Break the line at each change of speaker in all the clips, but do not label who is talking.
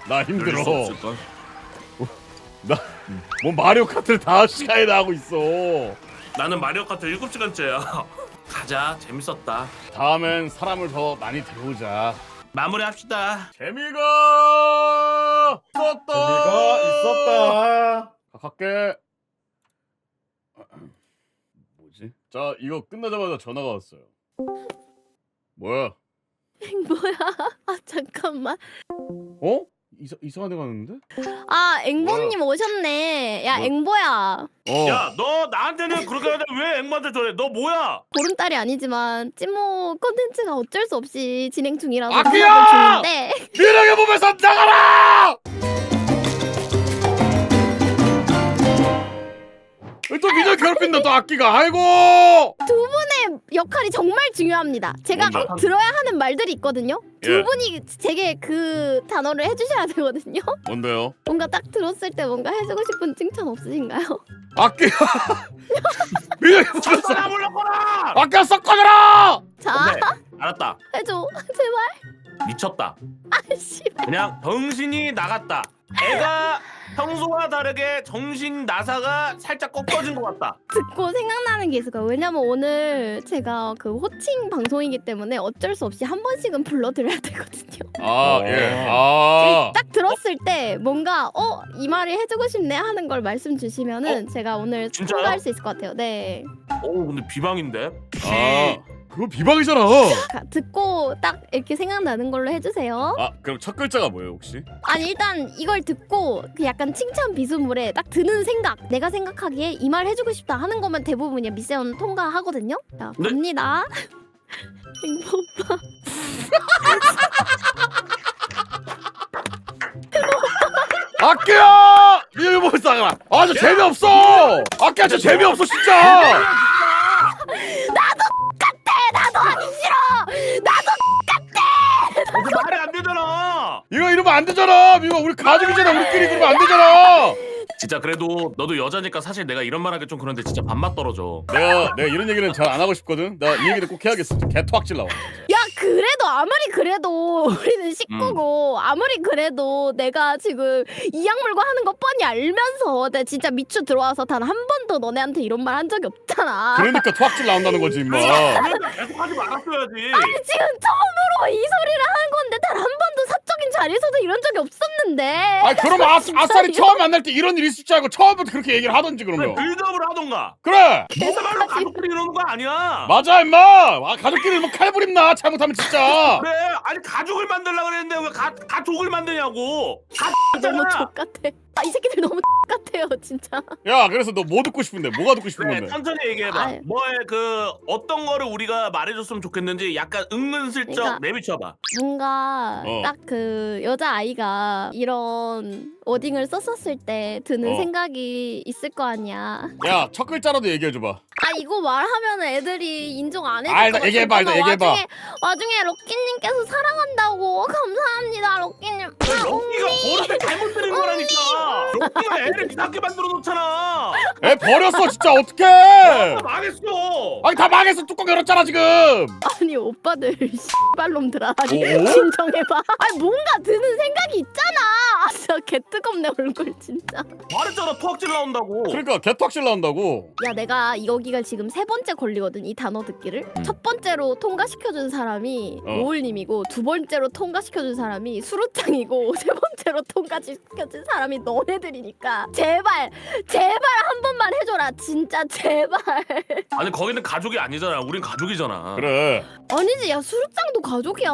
나 힘들어.
없을걸?
뭐 마리오 카트를 5시간이나 하고 있어.
나는 마리오 카트 7시간째야. 가자. 재밌었다.
다음엔 사람을 더 많이 데려오자.
마무리합시다.
재미가 있었다.
재미가 있었다.
갈게. 뭐지? 자, 이거 끝나자마자 전화가 왔어요. 뭐야?
뭐야? 아 잠깐만.
어? 이상한 데 가는데?
아 앵보님 오셨네. 야
뭐?
앵보야.
야, 너 나한테는 그렇게 하는데 왜 앵무한테 저래? 너 뭐야?
보름달이 아니지만 찐모 콘텐츠가 어쩔 수 없이 진행 중이라서
아키야!
연락을 주는데
미래의 몸에서 나가라! 또 민혁 괴롭힌다 또 악기가. 아이고!
두 분의 역할이 정말 중요합니다. 제가
뭔데?
꼭 들어야 하는 말들이 있거든요. 두
예.
분이 제게 그 단어를 해주셔야 되거든요.
뭔데요?
뭔가 딱 들었을 때 뭔가 해주고 싶은 칭찬 없으신가요?
악기가 민혁의 몸에서
나 몰랐구나.
악기가 썩 꺼져라!
자
네, 알았다.
해줘 제발.
미쳤다.
아씨.
그냥 정신이 나갔다. 애가 평소와 다르게 정신 나사가 살짝 꺾어진 것 같다.
듣고 생각나는 게 있을 거예요. 왜냐면 오늘 제가 그 호칭 방송이기 때문에 어쩔 수 없이 한 번씩은 불러드려야 되거든요.
아, 예. 아.
딱 들었을 때 뭔가 이 말을 해주고 싶네 하는 걸 말씀 주시면은 제가 오늘
진짜요?
통과할 수 있을 것 같아요. 네.
오, 근데 비방인데?
아. 그거 비방이잖아.
듣고 딱 이렇게 생각나는 걸로 해주세요.
아, 그럼 첫 글자가 뭐예요, 혹시?
아니 일단 이걸 듣고 그 약간 칭찬 비수물에 딱 드는 생각, 내가 생각하기에 이 말 해주고 싶다 하는 거면 대부분이야 미세온 통과하거든요. 자
네?
갑니다. 행복 오빠.
악기야! 민혁의 몸에서 나가라. 아, 저 재미없어. 악기야, 저 재미없어 진짜.
나도 하기 싫어. 나도
그 말이 안 되잖아.
이거 이러면 안 되잖아. 민혁아, 우리 가족이잖아. 우리끼리 그러면 안 되잖아.
진짜 그래도 너도 여자니까 사실 내가 이런 말 하기 좀 그런데 진짜 밥맛 떨어져.
내가 이런 얘기는 잘 안 하고 싶거든. 나 이 얘기는 꼭 해야겠어. 개토악질 나와.
야 그래도 아무리 그래도 우리는 식구고 아무리 그래도 내가 지금 이 약물과 하는 거 뻔히 알면서 내가 진짜 미추 들어와서 단 한 번도 너네한테 이런 말 한 적이 없잖아.
그러니까 토악질 나온다는 거지, 임마.
그러니까 계속 하지 말았어야지.
아니 지금 처음으로 이 소리를 하는 건데 단 한 번도 사적인 자리에서도 이런 적이 없었는데.
아, 그럼 아싸리 처음 만날 때 이런 일이 있을 줄 알고 처음부터 그렇게 얘기를 하던지 그러면.
빌드업을 하던가.
그래.
너말로 가족끼리 이러는 거 아니야.
맞아, 임마. 아, 가족끼리 뭐 칼부림 나. 잘못하면 진짜.
그래. 아니 가족을 만들려고 그랬는데 왜 가족을 만드냐고.
너무
가족잖아.
족같아. 이 새끼들 너무 같아요 진짜.
야, 그래서 너 뭐 듣고 싶은데? 뭐가 듣고 싶은
그래,
건데?
천천히 얘기해봐.
아유.
뭐에 그 어떤 거를 우리가 말해줬으면 좋겠는지 약간 은근슬쩍
그러니까
내비쳐봐.
뭔가 딱 그 여자 아이가 이런 워딩을 썼었을 때 드는 생각이 있을 거 아니야.
야, 첫 글자라도 얘기해줘봐.
아 이거 말하면 애들이 인정 안 해줄
아,
것
일단
같아.
얘기해봐, 일단 얘기해봐.
와중에 럭키님께서 사랑한다고 감사합니다 럭키님.
럭키가 버릇을 잘못 들인 거라니까. 럭키가 애를 이상하게 만들어 놓잖아.
애 버렸어, 진짜. 어떡해.
망했어.
아니, 다 망했어. 뚜껑 열었잖아, 지금.
아니 오빠들 씨발놈들아 아니
오?
진정해봐. 아니 뭔가 드는 생각이 있잖아. 아 진짜 개뜨겁네 얼굴 진짜.
말했잖아 토악질 나온다고.
그러니까 개토악질 나온다고.
야 내가 여기가 지금 세 번째 걸리거든 이 단어 듣기를. 첫 번째로 통과시켜준 사람이 노을님이고 두 번째로 통과시켜준 사람이 수루짱이고 세 번째로 통과시켜준 사람이 너네들이니까 제발 한 번만 해줘라 진짜 제발.
아니 거기는 가족이 아니잖아. 우린 가족이잖아.
그래.
아니지 야 수루짱도 가족이야.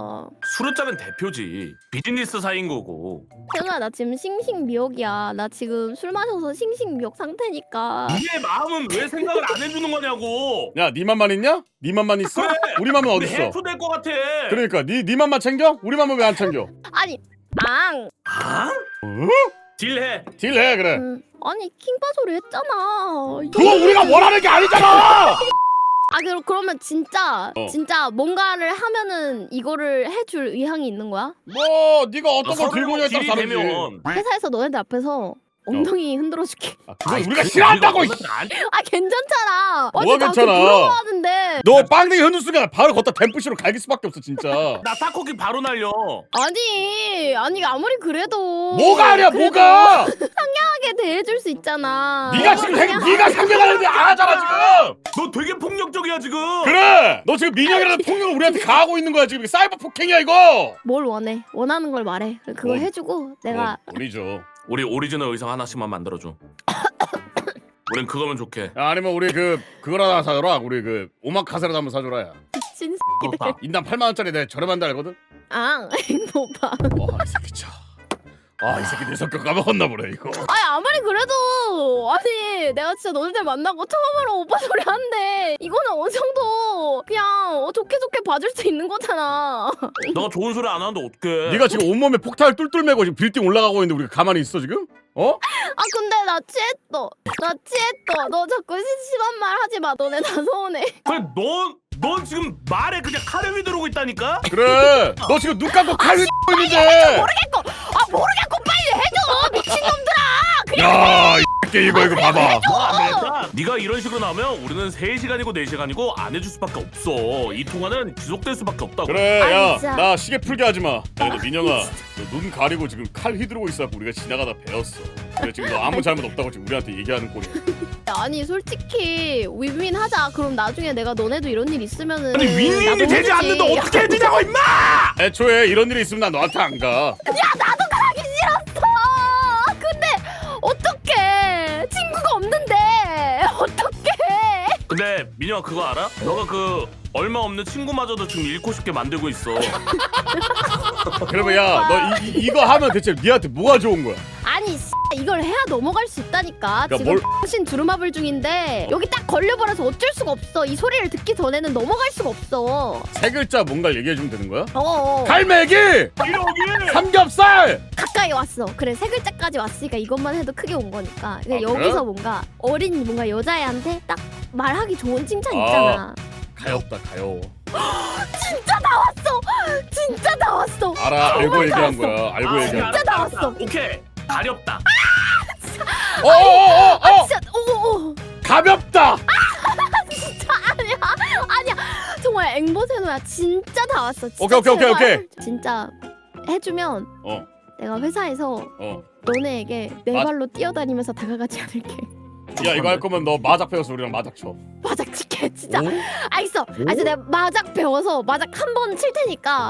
수루짜는 대표지. 비즈니스 사이인 거고.
태훈아 나 지금 싱싱미역이야. 나 지금 술 마셔서 싱싱미역 상태니까.
니의 마음은 왜 생각을 안 해주는 거냐고.
야, 네 맘만 있냐? 네 맘만 있어?
그래.
우리 맘은
우리
어딨어?
해프될 것 같아.
그러니까 네 맘만 챙겨? 우리 맘은 왜 안 챙겨?
아니 앙.
아? 딜해.
딜해, 그래.
아니 킹바 소리 했잖아.
그거 우리가 원하는 게 아니잖아.
아 그러면 진짜 뭔가를 하면은 이거를 해줄 의향이 있는 거야?
뭐 네가 어떤 걸 들고 오냐에 따라
딜이
다르지.
되면
회사에서 너네들 앞에서 엉덩이 흔들어줄게.
그건 우리가 싫어한다고.
아 괜찮잖아.
뭐가
어제 나한테
괜찮아?
부러워하는데.
너 빵댕이 흔들 순간 바로 걷다 댐프시로 갈길 수밖에 없어 진짜.
나 타코키 바로 날려.
아니 아무리 그래도.
뭐가 아니야 뭐가?
상냥하게 대해줄 수 있잖아.
네가 지금 네가 상냥하는데 안 하잖아 지금.
너 되게 폭력적이야 지금.
그래. 너 지금 민영이라는 폭력을 우리한테 가하고 있는 거야 지금. 이게 사이버 폭행이야 이거.
뭘 원해? 원하는 걸 말해. 그거
뭐,
해주고 내가.
우리죠.
우리 오리지널 의상 하나씩만 만들어줘. 우린 그거면 좋게.
아니면 우리 그걸 하나 사줘라. 우리 오마카세라도 한번 사줘라 야.
미친
그렇다.
인당 8만 원짜리 내가 저렴한데 알거든.
아 오빠.
이 새끼 참. 이 새끼 내 성격 까먹었나 보네 이거.
아니 아무리 그래도 아니 내가 진짜 너네들 만나고 처음으로 오빠 소리 하는데 이거는 어느 정도 그냥 좋게 봐줄 수 있는 거잖아.
너가 좋은 소리 안 하는데 어떡해.
네가 지금 온몸에 폭탄을 뚫뚫 매고 지금 빌딩 올라가고 있는데 우리가 가만히 있어 지금?
아 근데 나 취했어. 너 자꾸 심한 말 하지 마. 너네 다 서운해.
그래 넌 지금 말에 그냥 칼을 휘두르고 있다니까?
그래. 너 지금 눈 감고 칼 휘두르고 있는데.
모르겠고 빨리 해줘 미친놈들아.
야, 이 새끼 이거 봐봐.
안 되겠다. 네가 이런 식으로 나오면 우리는 3시간이고 4시간이고 안 해줄 수밖에 없어. 이 통화는 지속될 수밖에 없다고.
그래,
아니,
야,
진짜.
나 시계 풀게 하지 마. 야, 너 민영아, 너 눈 가리고 지금 칼 휘두르고 있어갖고 우리가 지나가다 배웠어. 그래, 지금 너 아무 잘못 없다고 지금 우리한테 얘기하는 꼴이야.
아니 솔직히 윈윈 하자. 그럼 나중에 내가 너네도 이런 일 있으면은
아니 윈윈이
나도
되지
해주지.
않는데 어떻게 해주냐고 임마!
애초에 이런 일이 있으면 난 너한테 안 가.
나도 가기 싫었어. 근데 어떡해. 친구가 없는데 어떡해.
근데 민영아 그거 알아? 너가 얼마 없는 친구마저도 지금 잃고 싶게 만들고 있어.
그러면 야, 너 이거 하면 대체 니한테 뭐가 좋은 거야?
아니 이걸 해야 넘어갈 수 있다니까.
그러니까
지금 당신 두루마블 중인데 여기 딱 걸려버려서 어쩔 수가 없어. 이 소리를 듣기 전에는 넘어갈 수가 없어.
세 글자 뭔가 얘기해주면 되는 거야?
갈매기
이러기!
삼겹살!
가까이 왔어. 그래 세 글자까지 왔으니까 이것만 해도 크게 온 거니까. 근데
아,
여기서
그래?
뭔가 어린 뭔가 여자애한테 딱 말하기 좋은 칭찬
아.
있잖아.
가엽다 가여워.
진짜 나왔어.
알아, 알고
정말
얘기한
나왔어.
거야. 알고 얘기한 거야.
진짜 나왔어.
오케이. 가렵다.
진짜 오오
가볍다.
진짜 아니야 정말 앵보세노야. 진짜 다 왔어. 진짜
오케이.
제발. 진짜 해주면
어.
내가 회사에서
어.
너네에게 네 발로 뛰어다니면서 다가가지 않을게.
야, 이거 할 거면 너 마작 배워서 우리랑 마작 쳐.
마작 칠게 진짜.
오?
알겠어. 내가 마작 배워서 마작 한 번 칠 테니까.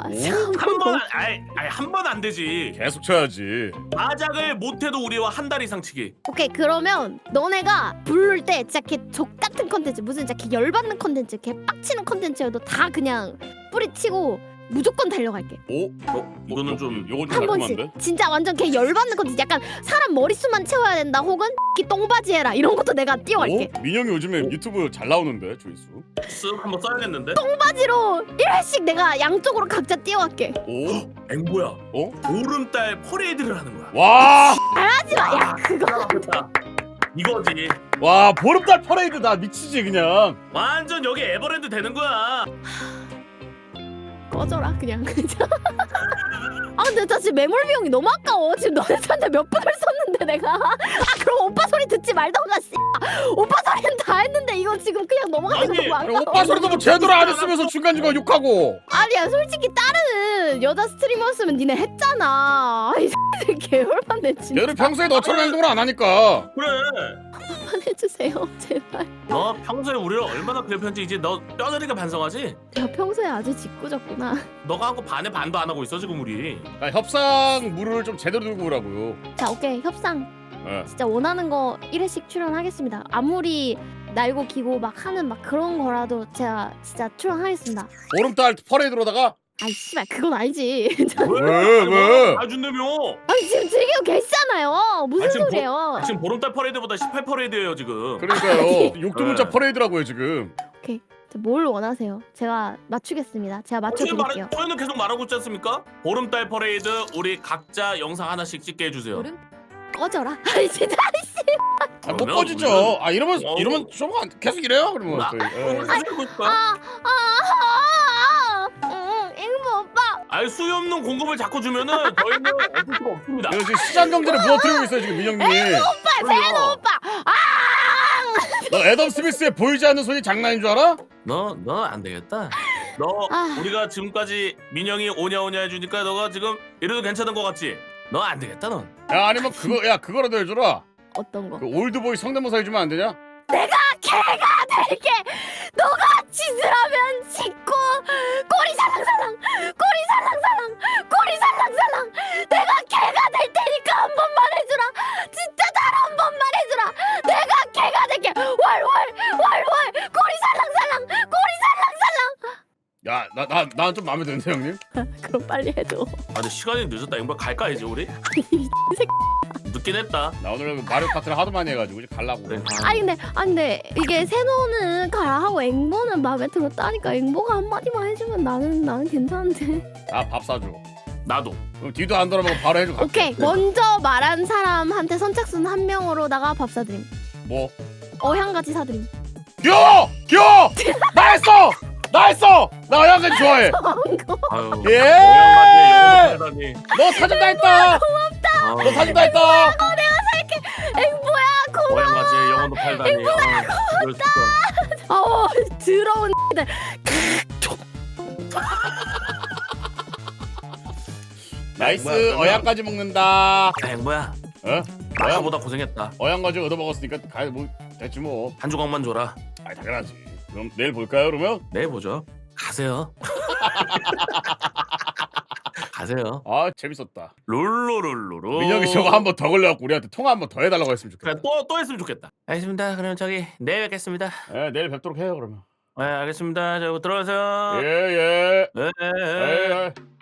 한 번 안 되지.
계속 쳐야지.
마작을 못해도 우리와 한 달 이상 치기.
오케이 그러면 너네가 부를 때 진짜 걔 족같은 컨텐츠 무슨 진짜 걔 열받는 컨텐츠 걔 빡치는 컨텐츠여도 다 그냥 뿌리치고 무조건 달려갈게.
오?
이거는 좀
요건 좀
한 번씩
깔끔한데?
진짜 완전 걔 열받는 컨텐츠 약간 사람 머릿수만 채워야 된다 혹은 이 똥바지 해라 이런 것도 내가 뛰어갈게.
오? 민영이 요즘에 유튜브 잘 나오는데 조회수.
쓱 한번 써야겠는데?
똥바지로 1회씩 내가 양쪽으로 각자 뛰어갈게.
오?
앵보야.
어?
보름달 퍼레이드를 하는 거야.
와!
하지마. 야 그거
이거지.
와, 보름달 퍼레이드 나 미치지 그냥.
완전 여기 에버랜드 되는 거야.
꺼져라 그냥 진짜. 아 근데 나 지금 매몰 비용이 너무 아까워. 지금 너네한테 몇 분을 썼는데 내가. 그럼 오빠 소리 듣지 말던가 씨. 오빠 소리는 다 했는데 이거 지금 그냥 넘어가는 거
아니,
너무
그래,
아까워.
오빠 소리도 뭐 제대로 안 했으면서 중간중간 욕하고.
아니야 솔직히 다른 여자 스트리머였으면 니네 했잖아. 아이 개열받네 진짜.
얘는 평소에 너처럼 행동을 안 하니까.
그래.
한번 해주세요 제발.
너 평소에 우리를 얼마나 괴롭혔는지 이제 너 뼈저리게 반성하지?
내가 평소에 아주 짓궂었구나.
너가 한 거 반에 반도 안 하고 있어 지금 우리.
협상 물을 좀 제대로 들고 오라고요.
자 오케이 협상.
예.
진짜 원하는 거 1회씩 출연하겠습니다. 아무리 날고 기고 막 하는 막 그런 거라도 제가 진짜 출연하겠습니다.
보름달 퍼레이드로다가
아이 씨발 그건 아니지.
왜?
다 준다며.
아니 지금 즐기고 계시잖아요. 무슨
지금
소리예요?
지금 보름달 퍼레이드보다 18퍼레이드예요 지금.
그러니까요. 욕두문자
네.
퍼레이드라고요 지금.
뭘 원하세요? 제가 맞추겠습니다. 제가 맞춰드릴게요.
저희는 계속 말하고 있지 않습니까? 보름달 퍼레이드 우리 각자 영상 하나씩 찍게 해주세요.
꺼져라. 아니 진짜.
못
그러면
꺼지죠.
우리는-
이러면 좀 계속 이래요 그러면. 저희. 예.
하고 싶을까?
앵무 오빠.
아니 수요 없는 공급을 자꾸 주면은 저희는 어쩔 수가 없습니다.
이거 지금 시장 경제를 무너뜨리고 있어요 지금 민영님.
오빠 세노 오빠. 아!
너 애덤 스미스의 보이지 않는 손이 장난인 줄 알아?
너 안 되겠다. 너
아.
우리가 지금까지 민영이 오냐 해주니까 너가 지금 이래도 괜찮은 거 같지? 너 안 되겠다 넌.
야 아니면 그거라도 해줘라.
어떤 거?
그 올드보이 성대모사 해주면 안 되냐?
개가 될게. 너가 짓을 하면 짓고 꼬리 살랑살랑 꼬리 살랑살랑 꼬리 살랑살랑 내가 개가 될 테니까 한 번만 해주라. 진짜 단 한 번만 해주라. 내가 개가 될게. 월월 꼬리 살랑살랑 꼬리 살랑살랑.
난 좀 마음에 드는데 형님.
그럼 빨리 해줘.
아 근데 시간이 늦었다. 이거 갈까 이제 우리? 늦긴 했다.
나 오늘 마리오 카트를 하도 많이 해가지고 이제 갈라고.
그래.
근데 이게 세노는 가라 하고 앵보는 마음에 들었다니까. 앵보가 한마디만 해주면 나는 괜찮은데.
아 밥 사줘.
나도.
그럼 뒤도 안 돌아보고 바로 해줘. 갈게.
오케이, 먼저 말한 사람한테 선착순 한 명으로다가 밥 사드림.
뭐?
어향같이 사드림.
귀여워! 나 했어! 나 어양까지 좋아해.
아유.
예!
오랜만에
너 사준 다 했다. 너 사준 다 했다.
앵보야 고마워.
오랜만에 영혼도 팔다니. 이럴 수가.
더러운 들.
나이스. 어양까지 먹는다.
행보야.
어?
아까보다 고생했다.
어양까지 얻어먹었으니까 뭐 됐지 뭐.
한 조각만 줘라.
아 당연하지. 그럼 내일 볼까요 그러면?
내일 보죠. 가세요. 가세요.
아 재밌었다.
룰루룰루루.
민혁이 저거 한 번 더 걸려갖고 우리한테 통화 한 번 더 해달라고 했으면 좋겠다.
그래 또 했으면 좋겠다. 알겠습니다. 그럼 저기 내일 뵙겠습니다.
네, 내일 뵙도록 해요 그러면.
네 알겠습니다. 저 들어가세요.
예예.
네.
예.